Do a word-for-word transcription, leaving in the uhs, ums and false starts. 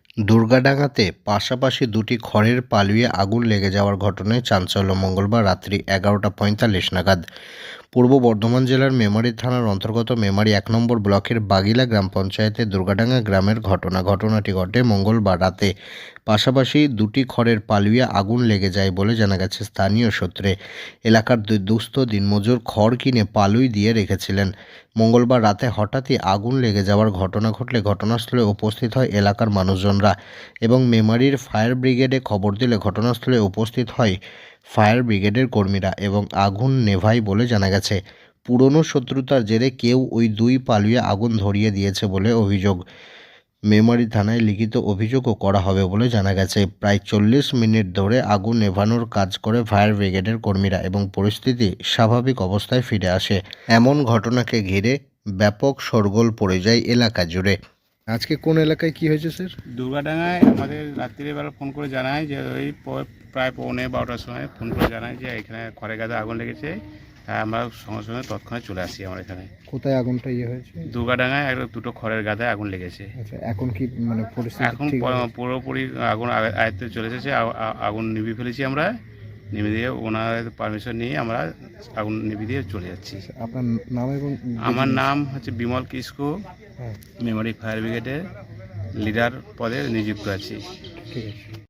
দুর্গাডাঙ্গাতে পাশাপাশি দুটি খড়ের পালুয়ে আগুন লেগে যাওয়ার ঘটনায় চাঞ্চল্য। মঙ্গলবার রাত্রি এগারোটা পঁয়তাল্লিশ নাগাদ পূর্ব বর্ধমান জেলার মেমারি থানার অন্তর্গত মেমারি এক নম্বর ব্লকের বাগিলা গ্রাম পঞ্চায়েতের দুর্গাডাঙ্গা গ্রামের ঘটনা। ঘটনাটি ঘটে মঙ্গলবার রাতে। পাশাপাশি দুটি খড়ের পালুয়ে আগুন লেগে যায় বলে জানা গেছে স্থানীয় সূত্রে। এলাকার দুই দুস্থ দিনমজুর খড় কিনে পালুই দিয়ে রেখেছিলেন। মঙ্গলবার রাতে হঠাৎই আগুন লেগে যাওয়ার ঘটনা ঘটলে ঘটনাস্থলে উপস্থিত হয় এলাকার মানুষজনরা এবং মেমারির ফায়ার ব্রিগেডে খবর দিলে ঘটনাস্থলে উপস্থিত হয় ফায়ার ব্রিগেডের কর্মীরা এবং আগুন নেভায় বলে জানা গেছে। পুরনো শত্রুতার জেরে কেউ ওই দুই পালুয়ে আগুন ধরিয়ে দিয়েছে বলে অভিযোগ। মেমারি থানায় লিখিত অভিযোগও করা হবে বলে জানা গেছে। প্রায় চল্লিশ মিনিট ধরে আগুন নেভানোর কাজ করে ফায়ার ব্রিগেডের কর্মীরা এবং পরিস্থিতি স্বাভাবিক অবস্থায় ফিরে আসে। এমন ঘটনাকে ঘিরে ব্যাপক শোরগোল পড়ে যায় এলাকা জুড়ে। আজকে কোন এলাকায় কি হয়েছে স্যার? দুর্গাডাঙ্গায় আমাদের রাত্রিবেলা ফোন করে জানায় যে ওই প- প্রায় পৌনে বারোটার সময় ফোন করে জানায় যে এখানে খড়ের গাদা আগুন লেগেছে। তাই আমরা সঙ্গে সঙ্গে তৎক্ষণাৎ চলে আসি আমরা এখানে। কোথায় আগুনটা ইয়ে হয়েছে? দুর্গাডাঙ্গায় একটা দুটো খড়ের গাদায় আগুন লেগেছে। আচ্ছা, এখন কি মানে পরিস্থিতি এখন ঠিক আছে? প- পুরোপুরি আগুন আ- আয়ত্তে চলে এসেছে। আ- আ- আগুন নিভিয়ে ফেলেছি আমরা। নিভিয়ে দিয়ে ওনার পারমিশন নিয়ে আমরা আগুন নিভিয়ে দিয়ে চলে যাচ্ছি। আপনার নাম এবং আমার নাম হচ্ছে বিমল কিস্কু, হ্যাঁ, মেমারি ফায়ার ব্রিগেডের লিডার পদে নিযুক্ত আছি। ঠিক আছে।